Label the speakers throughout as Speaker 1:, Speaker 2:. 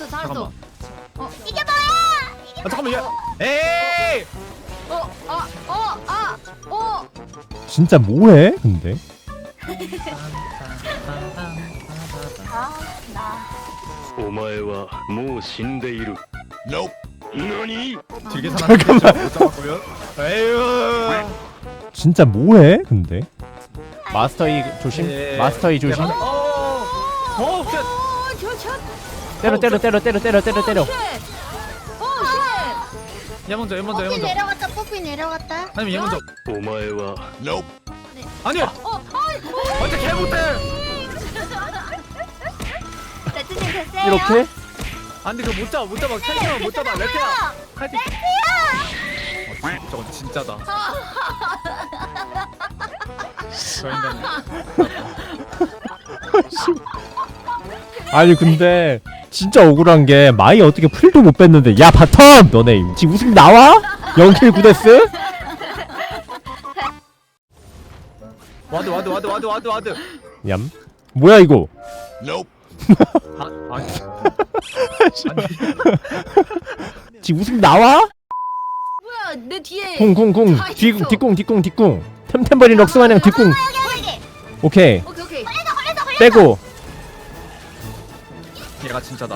Speaker 1: 살았어.
Speaker 2: 이게 뭐야? 이게
Speaker 3: 잠깐만 얘. 에이.
Speaker 4: 진짜 뭐해 근데?
Speaker 2: 나
Speaker 5: お前はもう死んでいる。何？
Speaker 3: 되게 잠깐만. 못 잡았고요. 에휴.
Speaker 4: 진짜 뭐해 근데? 마스터이 조심.
Speaker 3: 예.
Speaker 4: 마스터이 조심. 때려.
Speaker 3: 얘 먼저 얘 먼저 얘
Speaker 2: 뽀삐
Speaker 3: 먼저.
Speaker 2: 내려갔다. 뽀삐 내려갔다.
Speaker 3: 아니면 얘 먼저.
Speaker 5: お前は
Speaker 3: 아니야. 완전 개 못해.
Speaker 2: 레트님 됐어요?
Speaker 4: 이렇게?
Speaker 3: 안돼 그거 못 잡아 칼질만 못 잡아 레트야. 칼질. 저건 진짜다. 저 인간.
Speaker 4: 아니 근데 진짜 억울한 게 마이 어떻게 풀도 못 뺐는데 야 바텀 너네 지금 웃음 나와? 0킬 9데스?
Speaker 3: 와드.
Speaker 4: 얌 뭐야 이거?
Speaker 3: 아니.
Speaker 4: 지금 웃음 나와?
Speaker 1: 뭐야 내 뒤에.
Speaker 4: 쿵쿵쿵
Speaker 1: 다 있어.
Speaker 4: 뒷궁 템템버린 럭스마냥 뒷궁
Speaker 2: 여기.
Speaker 4: 오케이
Speaker 1: 오케이.
Speaker 2: 걸렸어.
Speaker 4: 빼고
Speaker 3: 얘가 진짜다.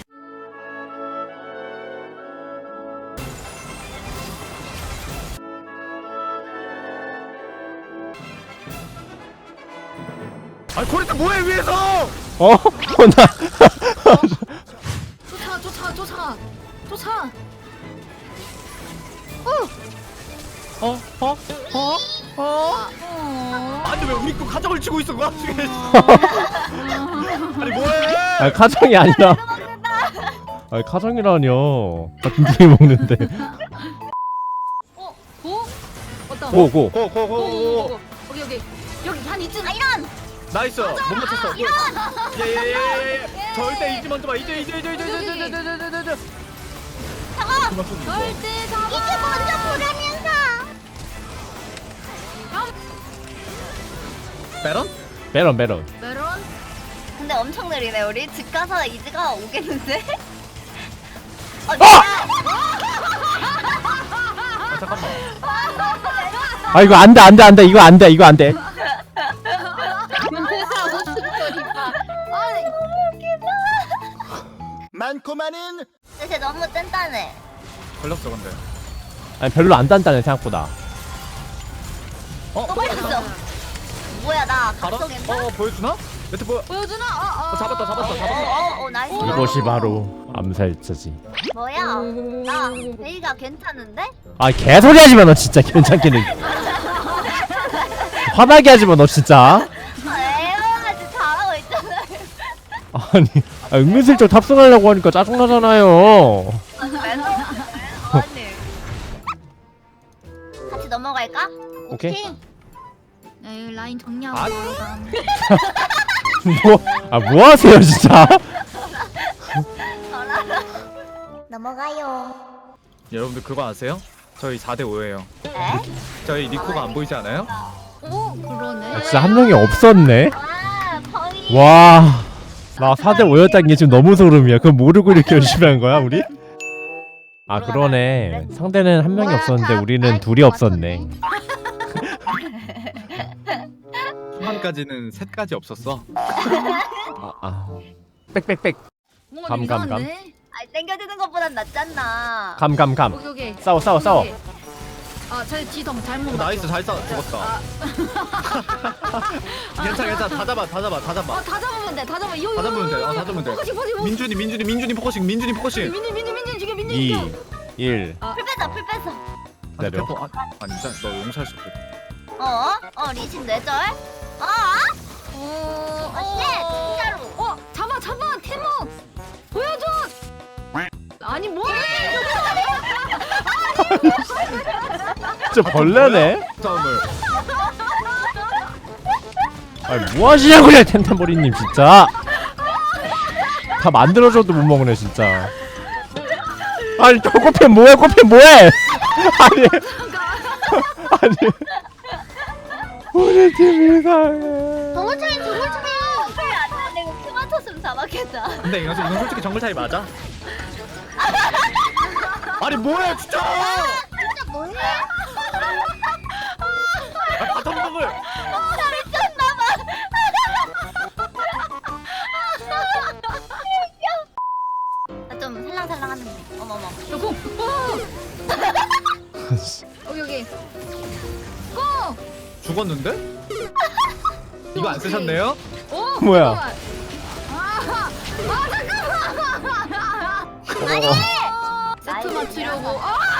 Speaker 3: 아니 코리타 뭐해 위에서?
Speaker 4: 나
Speaker 1: 쫓아.
Speaker 3: 아니 왜 우리 거 가정을 치고 있어 그 와중에. 아니 뭐해?
Speaker 4: 아니 카정이 아니라 아니 카정이라뇨 같은 팀 먹는데
Speaker 1: 왔다.
Speaker 4: 고고
Speaker 3: 고고고고.
Speaker 1: 오케이. 여기 한 이쯤.
Speaker 2: 이런.
Speaker 3: 나이스 못 맞췄어. 예예예예. 절대 잊지 먼저 봐. 이제.
Speaker 1: 절대 잡아.
Speaker 2: 이게 먼저 보라면서.
Speaker 3: 베런?
Speaker 4: 메론
Speaker 1: 메론.
Speaker 2: 근데 엄청 느리네 우리. 집 가서 이즈가 오겠는데?
Speaker 3: 아 잠깐만.
Speaker 4: 아 이거 안돼 이거 안돼
Speaker 5: 많고만은
Speaker 2: 쟤 너무 단단해.
Speaker 3: 걸렸어 근데.
Speaker 4: 아니 별로 안 단단해 생각보다
Speaker 2: 또 걸렸어. 뭐야 나
Speaker 3: 바로?
Speaker 2: 각성했나?
Speaker 3: 보여주나? 매트
Speaker 1: 보여주나?
Speaker 3: 잡았다.
Speaker 2: 나이스.
Speaker 4: 이것이 바로 암살자지
Speaker 2: 뭐야? 나 베이가 괜찮은데?
Speaker 4: 아 개소리 하지마 너 진짜 괜찮기는 화나게 하지마 너 진짜
Speaker 2: 에어가지 잘하고 있잖아.
Speaker 4: 아니 은근슬쩍 탑승하려고 하니까 짜증나잖아요
Speaker 2: 아니. 같이 넘어갈까?
Speaker 4: 오케이.
Speaker 1: 네, 라인 정리하고
Speaker 3: 아.
Speaker 4: 뭐 하세요 진짜
Speaker 2: 넘어가요.
Speaker 3: 여러분들 그거 아세요? 저희 4대 5예요.
Speaker 2: 에?
Speaker 3: 저희 니코가 안 보이지 않아요?
Speaker 1: 오 그러네.
Speaker 4: 진짜 한 명이 없었네
Speaker 2: 아, 펑이.
Speaker 4: 와 나 4대 5였다는 게 지금 너무 소름이야 그거 모르고 이렇게 열심히 한 거야 우리? 아 그러네 상대는 한 명이 없었는데 우리는 둘이 없었네
Speaker 3: 초반까지는 셋까지 없었어.
Speaker 4: 빽빽빽
Speaker 1: 뭔가
Speaker 4: 감.
Speaker 1: 이상한데?
Speaker 2: 아니 땡겨주는 것보단 낫잖아.
Speaker 4: 감
Speaker 1: 오케이.
Speaker 4: 싸워
Speaker 1: 아, 저 뒤덤 잘못.
Speaker 3: 나이스 잘 싸. 죽었다. 괜찮아. 다 잡아.
Speaker 1: 다 잡으면 돼. 다
Speaker 3: 잡으면 돼. 다 잡으면 돼.
Speaker 1: 포커싱.
Speaker 3: 민준이 포커싱.
Speaker 1: 민준 죽여. 민준
Speaker 4: 2
Speaker 1: 죽여.
Speaker 4: 1
Speaker 2: 풀 뺐어.
Speaker 4: 기다려
Speaker 3: 아니 진짜 너 용서할 수 없어.
Speaker 2: 리신 뇌절? 진짜로.
Speaker 1: 잡아. 태모. 보여줘. 아니 뭐해?
Speaker 4: 진짜 벌레네?
Speaker 3: 싸움을.
Speaker 4: 아니 뭐 하시냐고요 텐텐버리님 진짜 다 만들어줘도 못 먹네 진짜 아니 저 꽃핀 뭐해 아니 우리 팀 이상해
Speaker 2: 동물청이 풀안 되고 큐만 쳤으면 잡았겠. 좋겠다.
Speaker 3: 근데 이건 솔직히 정글 차이 맞아? 아니 뭐야 진짜!
Speaker 2: 진짜 뭐해?
Speaker 3: 아, 바텀 정글!
Speaker 2: 좀 살랑살랑하는데. 어머머.
Speaker 1: 여보. 여기. 고.
Speaker 3: 죽었는데? 이거 안 쓰셨네요?
Speaker 1: 오.
Speaker 4: 뭐야?
Speaker 1: 잠깐만. 세트 맞추려고.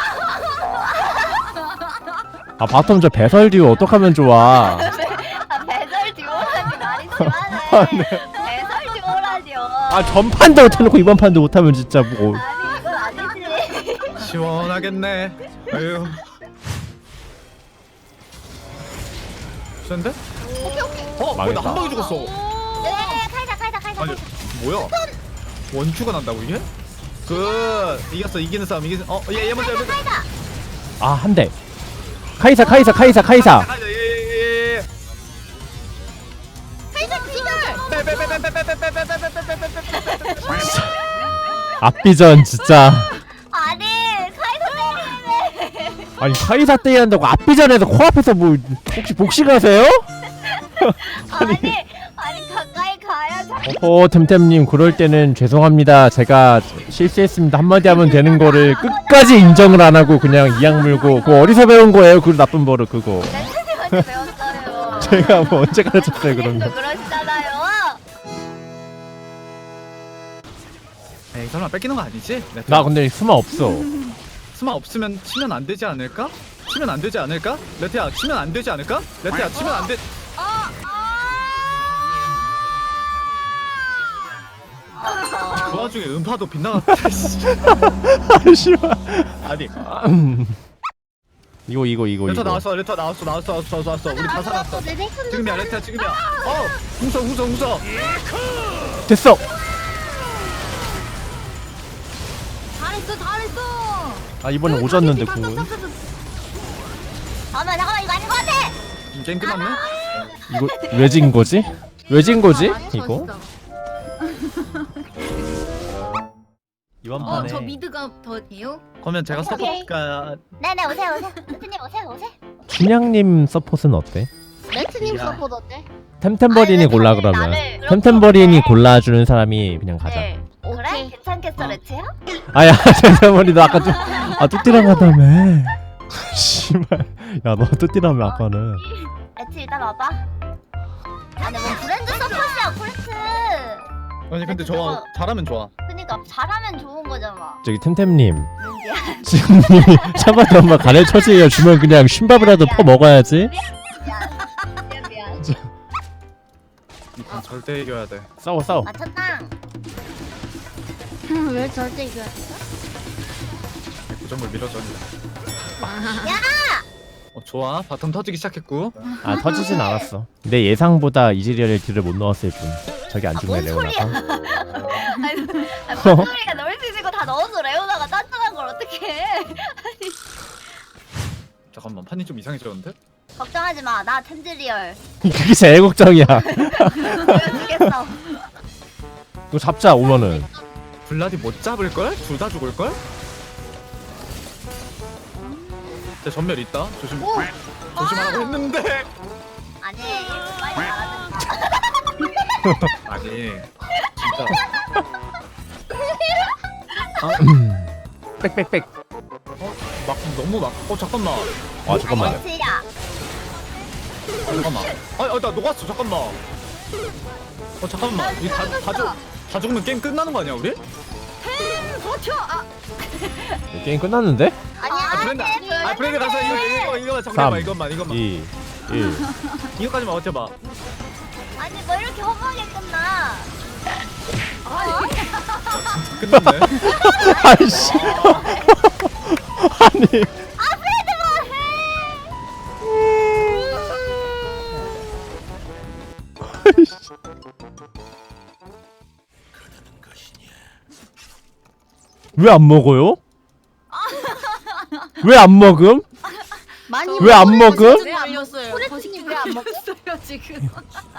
Speaker 4: 아 바텀 저 배설 듀오 어떡하면 좋아.
Speaker 2: 아 배설 듀오라니 말이 심하네. 배설 듀오라니요.
Speaker 4: 아 전판도 못해놓고 이번 판도 못하면 진짜 뭐.
Speaker 2: 아니 이건 아니지.
Speaker 3: 시원하겠네. 아유. 센데? 어? 뭐야 나 한 방에 죽었어.
Speaker 2: 네 칼자.
Speaker 3: 아니 뭐야? 원큐가 난다고 이게? 이겼어 이기는 싸움 이기는 얘 먼저
Speaker 2: 칼자.
Speaker 4: 아 한 대. 카이사.
Speaker 3: 예예예
Speaker 2: 칼자 기절.
Speaker 4: 앞비전 진짜.
Speaker 2: 아니 칼자 때리네.
Speaker 4: 아니 카이사 때린다고 앞비전에서 코앞에서 뭐 혹시 복싱하세요?
Speaker 2: 아니 가까이 가야지.
Speaker 4: 템템님 그럴 때는 죄송합니다. 제가 실수했습니다. 한마디 하면 되는 거를 끝까지 인정을 안 하고 그냥 이악 물고 그거 어디서 배운 거예요? 그 나쁜 버릇 그거.
Speaker 2: 렌트님한테 배웠어요.
Speaker 4: 제가 뭐 언제 가르쳤어요 그런 거.
Speaker 2: 그러시잖아요.
Speaker 3: 에이 설마 뺏기는 거 아니지?
Speaker 4: 나 근데 수마 없어.
Speaker 3: 스마 없으면 치면 안 되지 않을까? 치면 안 되지 않을까? 레트야 치면 안 되지 않을까? 레트야 치면 안 돼. 그 와중에 음파도 빗나갔다.
Speaker 4: 아 씨발.
Speaker 3: 아니
Speaker 4: 이거
Speaker 3: 레터 나왔어. 우리 다 살았어. 지금이야 레트야 지금이야. 웃어.
Speaker 4: 됐어.
Speaker 1: 잘했어.
Speaker 4: 아 이번엔 오졌는데 궁은.
Speaker 2: 잠깐만 이거 아닌 것 같아.
Speaker 3: 게임 끝났네?
Speaker 4: 이거 왜 진 거지? 왜 진 거지? 이거? 이번 판에
Speaker 1: 저 미드가 더해요?
Speaker 3: 그러면 제가
Speaker 2: 오케이.
Speaker 3: 서포트가
Speaker 2: 네네 오세요. 렌트님 오세요.
Speaker 4: 춘향님 서폿은 어때?
Speaker 2: 렌트님
Speaker 3: 야.
Speaker 2: 서포트 어때?
Speaker 4: 템템버린이
Speaker 2: 아니,
Speaker 4: 골라
Speaker 2: 나를
Speaker 4: 그러면.
Speaker 2: 그렇게
Speaker 4: 템템버린이
Speaker 2: 어때?
Speaker 4: 골라주는 사람이 그냥 가자.
Speaker 2: 네. 그래? 괜찮겠어 레트야?
Speaker 4: 아야 템템버린 너 아까 뚜띠랑 하다며. 씨발. 야 너 뚜띠라며 아까는.
Speaker 2: 레트 일단 와봐. 아니 뭐 브랜드 서포트야 콜트.
Speaker 3: 아니 근데 저 잘하면 좋아.
Speaker 2: 그니까 잘하면 좋은 거잖아.
Speaker 4: 저기 템템님
Speaker 2: 미안.
Speaker 4: 지금 님이 차바도 한번 가래 처지에 주면 그냥 쉰밥이라도 퍼 먹어야지.
Speaker 2: 미안.
Speaker 3: 이판 절대 이겨야 돼.
Speaker 4: 싸워.
Speaker 2: 맞췄다. 왜 절대 이겨야 돼?
Speaker 3: 고정을 밀어줘.
Speaker 2: 야!
Speaker 3: 좋아. 바텀 터지기 시작했고.
Speaker 4: 아 터지진 않았어. 내 예상보다 이즈리얼의 딜을 못 넣었을 뿐. 저기 안 죽네
Speaker 2: 뭔 소리야?
Speaker 4: 레오나가.
Speaker 2: 아니 소리가 넣을 수 있는 거 다 넣어서 레오나가 딴딴한 걸 어떡해?
Speaker 3: 잠깐만 판이 좀 이상해졌는데?
Speaker 2: 걱정하지 마. 나 템즈리얼.
Speaker 4: 그게 제일 걱정이야.
Speaker 2: 보여주겠어.
Speaker 4: 이거 잡자 오면은.
Speaker 3: 블라디 못 잡을 걸? 둘 다 죽을 걸? 제 전멸 있다. 조심하라고 했는데.
Speaker 2: 아니 많이 잘하는.
Speaker 3: 아니 진짜.
Speaker 4: 빽빽빽.
Speaker 3: 너무 잠깐만.
Speaker 4: 아 잠깐만요.
Speaker 2: 렌트야.
Speaker 3: 잠깐만. 나 녹았어. 잠깐만. 잠깐만. 다 죽으면 게임 끝나는 거 아니야 우리?
Speaker 1: 버텨.
Speaker 4: 게임 끝났는데?
Speaker 2: 아니야.
Speaker 3: 브레이크 가서 이거
Speaker 4: 삼,
Speaker 3: 잠깐만 이것만
Speaker 4: 2, 1.
Speaker 3: 이거까지만 버텨봐.
Speaker 2: 아니 뭐 이렇게 허무하게 끝나?
Speaker 3: 끝났네.
Speaker 4: 아이씨. 아니. 왜 안 먹어요? 왜 안 먹음?
Speaker 2: 많이
Speaker 4: 왜 안 먹음?
Speaker 1: 왜 안 먹었어요?
Speaker 2: 소리팀이 왜안 먹어?
Speaker 1: 지금.